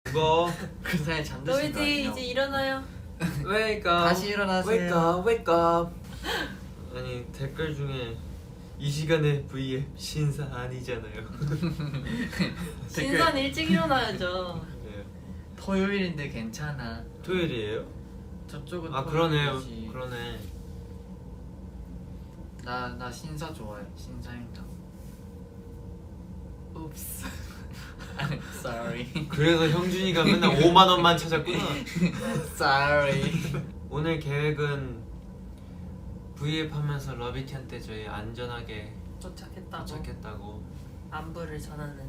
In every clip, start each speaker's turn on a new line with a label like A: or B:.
A: 그거
B: 그 사이에 잠드신 거
C: 너희들
B: 아니에요?
C: 이제 일어나요.
A: wake up
B: 다시 일어나세요.
A: wake up wake up. 아니 댓글 중에 이 시간에 V앱 신사 아니잖아요.
C: 신선 일찍 일어나야죠.
A: 네.
B: 토요일인데 괜찮아.
A: 토요일이에요?
B: 저쪽은
A: 아 그러네요.
B: 토요일이지.
A: 그러네.
B: 나 신사 좋아해. 신사임당. Oops. I'm sorry.
A: 그래서 형준이가 맨날 5만 원만 찾았구나.
B: Sorry.
A: 오늘 계획은 V앱 하면서 러비티한테 저희 안전하게
C: 도착했다고.
A: 도착했다고
C: 안부를 전하는.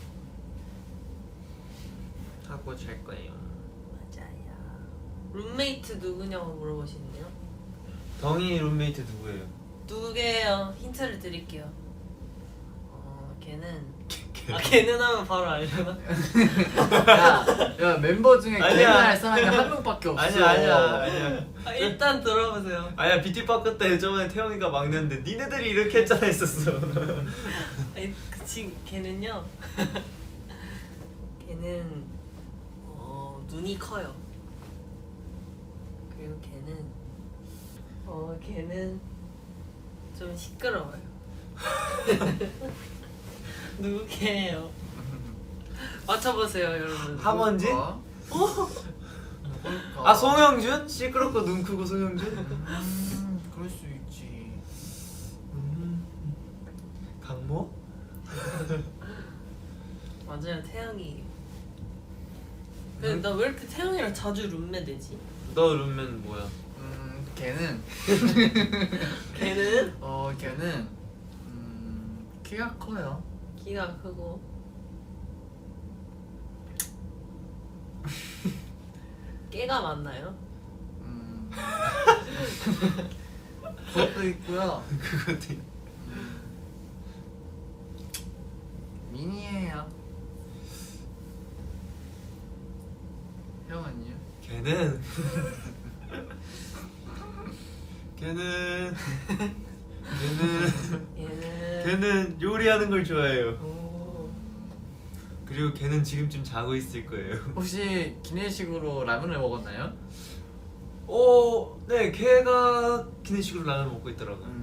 A: 하고 잘 거예요.
C: 맞아요. 룸메이트 누구냐고 물어보시는데요.
A: 덩이 룸메이트 누구예요?
C: 누구게요? 힌트를 드릴게요. 걔는 걔는 하면 바로 알려나?
B: 야 멤버 중에
A: 아니야.
B: 걔는 할 사람이 한 명밖에 없어.
A: 아니야.
C: 일단 들어보세요.
A: 아니야 비티파크 때 저번에 태영이가 막내인데 니네들이 이렇게 했잖아 했었어.
C: 그치 걔는요. 걔는 눈이 커요. 그리고 걔는 좀 시끄러워요. 누구게요? 맞춰보세요 여러분.
A: 하먼지?
B: 어?
A: 아 송영준? 시끄럽고 눈 크고 송영준?
B: 그럴 수 있지.
A: 강모?
C: 맞아요 태양이. 근데 나 왜 이렇게 태양이랑 자주 룸메 되지?
A: 너 룸메는 뭐야?
B: 걔는
C: 걔는
B: 걔는 키가 커요.
C: 키가 크고 깨가 많나요?
B: 그것도 있고요.
A: 그것도
B: 미니예요. 형은요?
A: 걔는 걔는 요리하는 걸 좋아해요.
C: 오.
A: 그리고 걔는 지금쯤 자고 있을 거예요.
B: 혹시 기내식으로 라면을 먹었나요?
A: 네, 걔가 기내식으로 라면 먹고 있더라고요.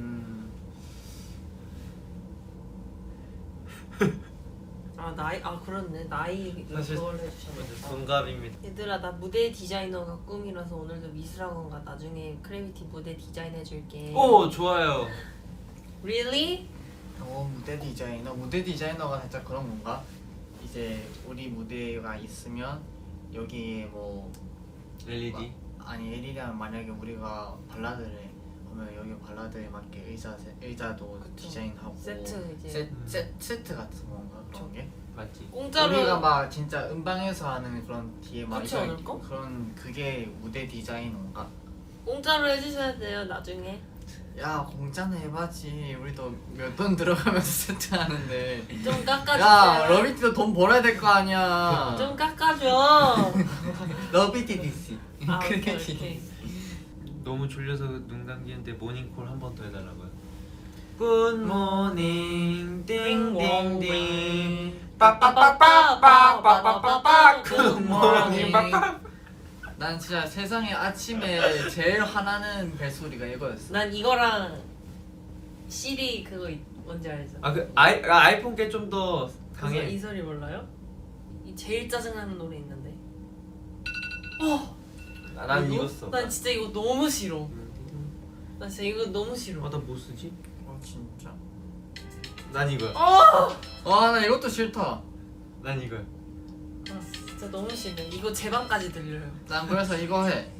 C: 그렇네 나이
A: 사실
C: 그걸 해주셨네.
A: 동갑입니다.
C: 얘들아 나 무대 디자이너가 꿈이라서 오늘도 미술학원 가 나중에 크래비티 무대 디자인 해줄게.
A: 오 좋아요.
C: Really?
B: 무대 디자이너? 무대 디자이너가 살짝 그런 건가? 이제 우리 무대가 있으면 여기에 뭐
A: LED.
B: 아니 LED면 만약에 우리가 발라드를 해 그러면 여기 발라드에 맞게 의자도
C: 그쵸.
B: 디자인하고
C: 세트 이제.
B: 세트 같은 건가 그런 게?
A: 맞지?
C: 공짜로
B: 우리가 막 진짜 음방에서 하는 그런 뒤에 막
C: 그렇지 않을까?
B: 그런 그게 무대 디자이너인가?
C: 공짜로 해주셔야 돼요 나중에.
B: 야 공짜는 해봐지. 우리도 몇 돈 들어가면서 세트하는데.
C: 좀 깎아주세요.
B: 야 러비티도 돈 벌어야 될 거 아니야.
C: 좀 깎아줘.
B: 러비티 DC.
C: 오케이.
A: 너무 졸려서 눈 감기는데 모닝콜 한 번 더 해달라고요. Good morning, 띵띵띵. 빠빠빠빠빠빠빠빠. Good morning, 빠빠.
B: 난 진짜 세상에 아침에 제일 화나는 벨소리가 이거였어.
C: 난 이거랑 시리 그거 뭔지 알죠?
A: 아이폰 게 좀 더 강해.
C: 이 소리 몰라요? 이 제일 짜증나는 노래 있는데.
A: 난 이거 써.
C: 난 진짜 이거 너무 싫어. 나 진짜 이거 너무 싫어.
A: 나 뭐 쓰지?
B: 진짜.
A: 난 이거야.
B: 나 이것도 싫다.
A: 난 이거야.
C: 진짜 너무 싫어. 이거 제 방까지 들려요.
B: 난 그래서 이거 해.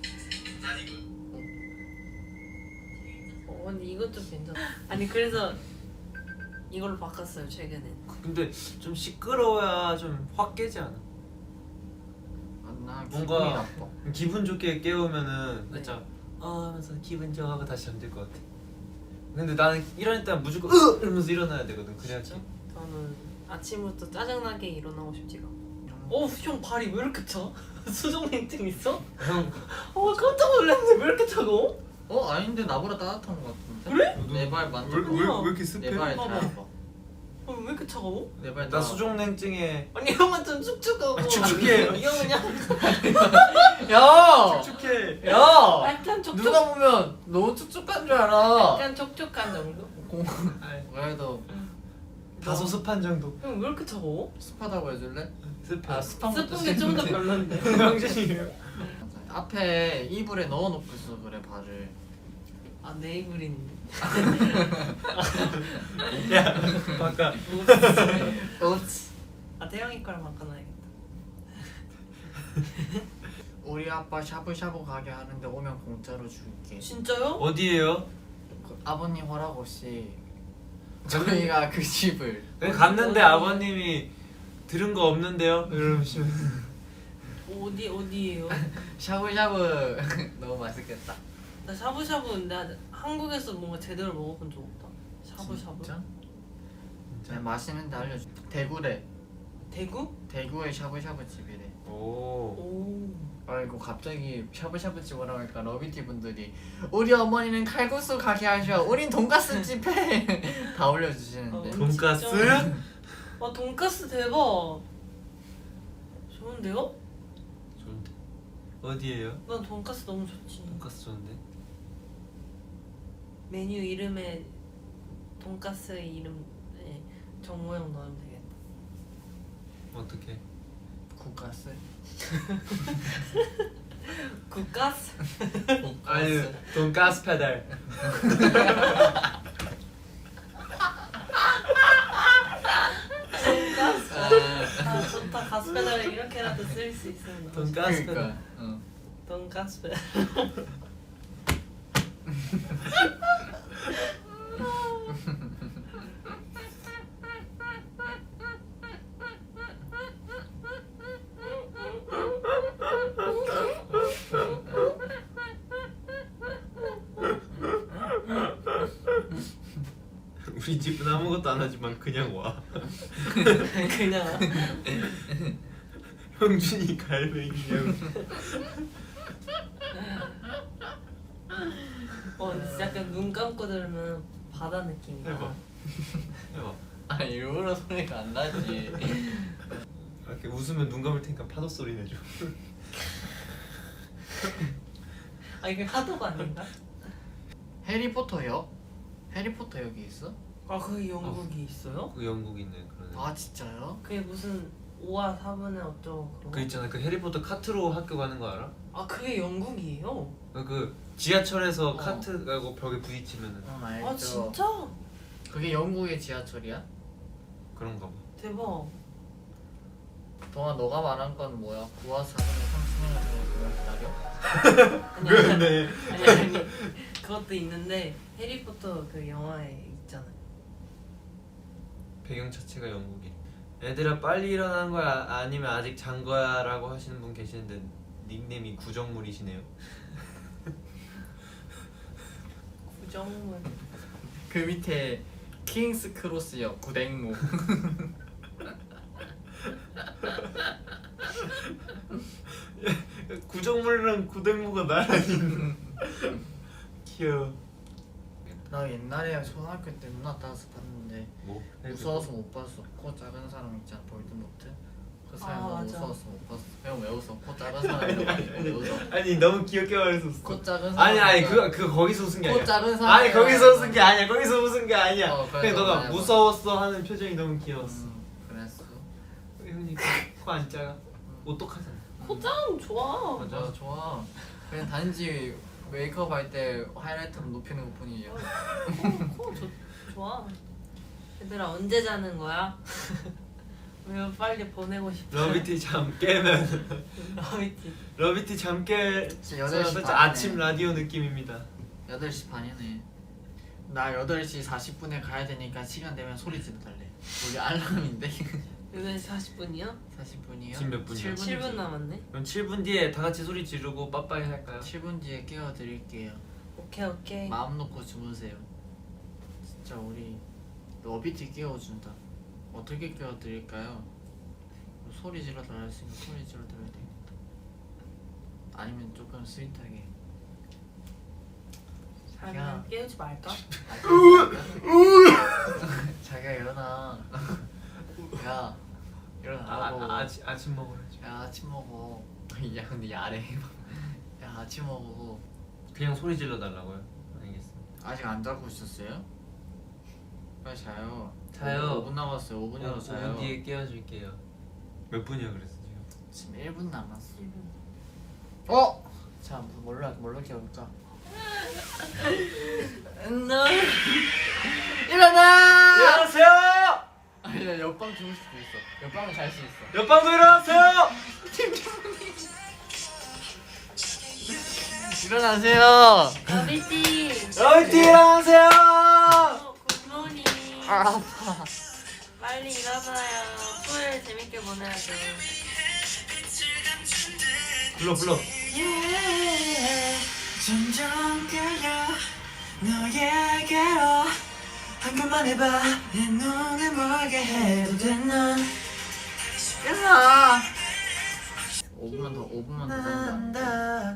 C: 근데 이것도 괜찮아. 아니 그래서 이걸로 바꿨어요 최근에.
A: 근데 좀 시끄러워야 좀 확 깨지 않아?
B: 난 기분이
A: 뭔가
B: 나빠.
A: 기분 좋게 깨우면은
C: 네.
A: 살짝 하면서 기분 좋아 하고 다시 잠들 것 같아. 근데 나는 일어날 때 무조건 이러면서 일어나야 되거든. 그래야지.
C: 저는 아침부터 짜증나게 일어나고 싶지가. 형 발이 왜 이렇게 차? 수족냉증 있어?
A: 형
C: 깜짝 놀랐는데 왜 이렇게 차가워?
B: 아닌데 나보다 따뜻한 것 같은데?
C: 그래?
B: 내 발 만져.
A: 왜 이렇게 습해?
B: 내발
C: 봐봐.
B: 잘 봐.
C: 왜 이렇게 차가워?
B: 내발
A: 나 수족냉증에
C: 아니 형은 좀 축축하고
A: 축축해.
C: 이 형은 약간
B: 야!
A: 축축해.
B: 야!
C: 약간 촉촉
B: 누가 보면 너무 축축한 줄 알아.
C: 약간 촉촉한 정도?
B: 그래도
A: 다소 습한 정도.
C: 형 왜 이렇게 차가워?
B: 습하다고 해줄래?
A: 습해.
B: 아 습한 것도
C: 스푼 게좀 더
B: 싫은데.
C: 별론데
A: 형준이에요.
B: 앞에 이불에 넣어놓고 있어 그래 발을.
C: 아 네이블인
A: 야 바꿔.
B: 옵스.
C: 아 태영이 거랑 바꿔놔야겠다
B: 우리 아빠 샤브샤브 가게 하는데 오면 공짜로 줄게.
C: 진짜요?
A: 어디에요?
B: 그 아버님 허락 없이 저희가 그 집을
A: 갔는데 아버님이 들은 거 없는데요? 이러시면
C: 어디예요?
B: 샤브샤브 너무 맛있겠다.
C: 나 샤브샤브 나 한국에서 뭔가 제대로 먹어본 적 없다 샤브샤브
B: 진짜? 네, 맛있는데 알려줘. 대구래.
C: 대구?
B: 대구의 샤브샤브 집이래.
A: 오.
C: 오
B: 아이고 갑자기 샤브샤브 집 오라고 하니까 러비티 분들이 우리 어머니는 칼국수 가게 하셔. 우린 돈가스 집해. 다 올려주시는데.
A: 돈가스?
C: 진짜? 와 돈가스 대박 좋은데요?
A: 좋은데. 어디에요?
C: 난 돈가스 너무 좋지
A: 돈가스 좋은데.
C: 메뉴 이름에 돈가스 이름에 정모형 넣으면 되겠다
A: 어떻게?
B: 국가스.
C: 국가스?
A: 아니 돈가스 페달.
C: 돈가스 아 좋다 가스 페달을 이렇게라도 쓸 수 있으면 너무 좋다.
A: 돈가스
B: 그러니까.
A: 페달.
B: 응.
C: 돈가스 페달
A: 우리 집은 아무것도 안 하지만 그냥 와.
C: 그냥
A: 형준이 갈매기냐고.
C: 진짜 약간 눈 감고 들으면 바다 느낌이야
A: 해봐. 해봐.
B: 아 일부러 소리가 안 나지.
A: 이렇게 웃으면 눈 감을 테니까 파도 소리 내줘.
C: 아 이게 파도가 아닌가?
B: 해리포터역? 해리포터 여기 있어?
C: 아 그게 영국이 있어요?
A: 그 영국 있는 그런.
B: 아 진짜요?
C: 그게 무슨 5화 4분의 어쩌고 그런
A: 그 있잖아. 그 해리포터 카트로 학교 가는 거 알아?
C: 아 그게 영국이에요?
A: 그 지하철에서 카트 가고 벽에 부딪히면은
B: 응 알죠.
C: 아 진짜?
B: 그게 영국의 지하철이야?
A: 그런가 봐.
C: 대박
B: 동아 너가 말한 건 뭐야? 9화 4분의 30년을 기다려?
A: 그러네.
C: 아니 그것도 있는데 해리포터 그 영화에 있잖아
A: 배경 자체가 영국이. 애들아 빨리 일어난 거야 아니면 아직 잔 거야라고 하시는 분 계시는데 닉네임이 구정물이시네요.
C: 구정물
B: 그 밑에 킹스 크로스역 구댕무.
A: 구정물이랑 구댕무가 나란히. 귀여워.
B: 나 옛날에 초등학교 때 누나 따라서 봤는데
A: 뭐?
B: 무서워서 못 봤어. 코 작은 사람 있잖아 볼드모트. 그 사람 너무
C: 맞아.
B: 무서워서 못 봤어. 형 왜 웃어? 코 작은 사람이라고 왜 웃어?
A: 아니 너무 귀엽게 말했었어.
B: 코 작은 사람.
A: 아니 그 거기서 웃은 게
B: 코
A: 아니야.
B: 작은 사람.
A: 아니 거기서 웃은 게 아니야. 거기서 웃은 게 아니야.
B: 어, 그래서
A: 그냥 너가
B: 말해봐.
A: 무서웠어 하는 표정이 너무 귀여웠어.
B: 그랬어.
A: 형님 코안 작아. 오똑하잖아.
C: 코짱 좋아
B: 맞아 좋아. 그냥 단지 메이크업 할 때 하이라이트로 높이는 것 뿐이야.
C: 코 좋아 얘들아 언제 자는 거야? 왜 빨리 보내고 싶어
A: 러비티 잠 깨면
C: 러비티
A: 러비티 잠 깨.
B: 진짜 8시
A: 살짝
B: 반이네.
A: 아침 라디오 느낌입니다.
B: 8시 반이네. 나 8시 40분에 가야 되니까 시간 되면 소리 질러달래. 우리 알람인데.
C: 8시 40분이요?
B: 40분이요?
A: 지금 몇 분이야?
C: 7분 남았네
A: 그럼 7분 뒤에 다 같이 소리 지르고 빠빠이 할까요?
B: 7분 뒤에 깨워드릴게요.
C: 오케이
B: 마음 놓고 주무세요. 진짜 우리 러비티 깨워준다. 어떻게 깨워드릴까요? 소리 질러달라 했으니까 소리 질러드려야 되겠다. 아니면 조금 스윗하게
C: 자면 깨우지 말까?
B: 자기야 일어나. 야 일어나라고.
A: 아침 먹어야지.
B: 야 아침 먹어. 야 근데 야래. 야 아침 먹어.
A: 그냥 소리 질러 달라고요? 알겠습니다.
B: 아직 안 자고 있었어요? 빨리 자요.
A: 자요.
B: 5분 남았어요. 5분이라도 자요.
A: 5분 뒤에 깨워줄게요. 몇 분이야 그랬어 지금?
B: 지금 1분 남았어.
C: 1분.
B: 어? 자 뭘로 깨울까?
C: 너
B: 일어나!
A: 일어나세요!
B: 아니 나 옆방 주무실 수 있어. 옆방은 잘 수 있어.
A: 옆방도 일어나세요!
B: 일어나세요.
C: 러비티.
A: 러비티 일어나세요!
C: 굿모닝.
B: 아 아파.
C: 빨리 일어나요. 풀 재밌게 보내야죠.
A: 불러.
B: 점점 끌려 너에게로 한 번만 해봐 내 눈에 멀게 해도 돼넌 일어나 5분만 더 잔다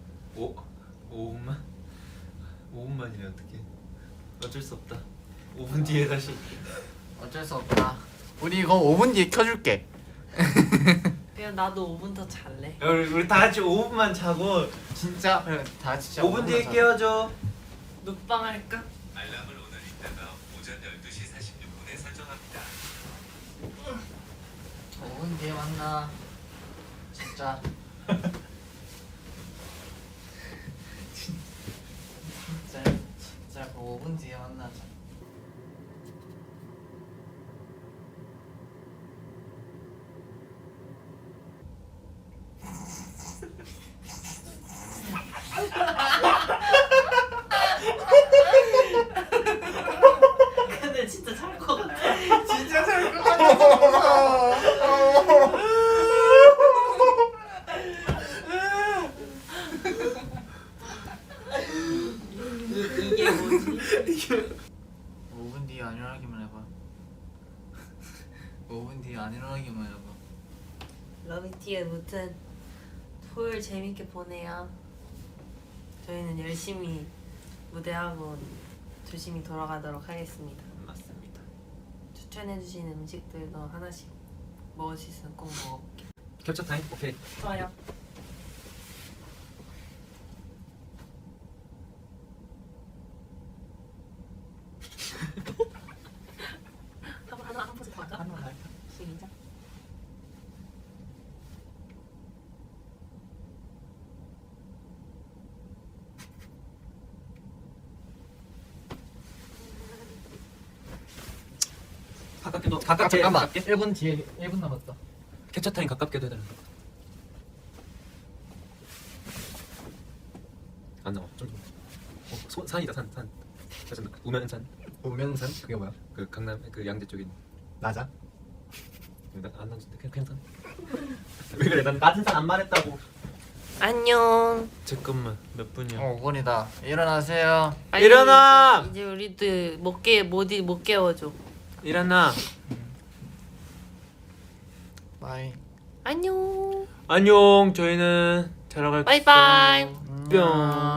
A: 5분만? 5분만이네 어떡해. 어쩔 수 없다. 5분 뒤에 다시.
B: 어쩔 수 없다 우리 이거 5분 뒤에 켜줄게
C: 그냥 나도 5분 더 잘래.
A: 야, 우리 다 같이 5분만 자고
B: 진짜 그래 다 같이 진짜
A: 5분 뒤에 깨워줘.
C: 눕방 할까?
D: 알람을 오늘 이따가 오전 12시 46분에 설정합니다.
B: 5분 뒤에 만나 진짜 진짜 5분 뒤에 만나자
C: 근데 진짜 잘 것 같아.
B: 진짜 잘것 같아
C: 이게 뭐지?
B: 5분 뒤에 안 일어나기만 해봐 5분 뒤에 안 일어나기만 해봐
C: 러비티의 무튼 토요일 재밌게 보내요. 저희는 열심히 무대하고 조심히 돌아가도록 하겠습니다.
A: 맞습니다.
C: 추천해주신 음식들도 하나씩 먹을 수 있으면 꼭 먹어볼게요.
A: 캡처 타임? 오케이.
C: 좋아요. 한 포즈 더 할까?
B: 한번 할까?
C: 시작.
A: 가깝게
B: 잠깐만
A: 가깝게.
B: 1분 뒤에 1분 남았다
A: 캡처 타임 가깝게도 해달라. 안 나와. 좀. 산이다 산. 그래서 우면산.
E: 우면산? 그게 뭐야?
A: 그 강남 그 양재 쪽에 있는.
E: 낮아?
A: 안 나는데 그냥 산. 왜 그래? 난 낮은 산 안 말했다고.
C: 안녕.
A: 잠깐만 몇 분이야?
B: 5분이다 일어나세요
C: 빨리
A: 일어나!
C: 이제 우리도 못 깨워줘.
A: 일어나.
B: 바이
C: 안녕.
A: 안녕. 저희는 자러 갈게요.
C: 바이바이.
A: 뿅.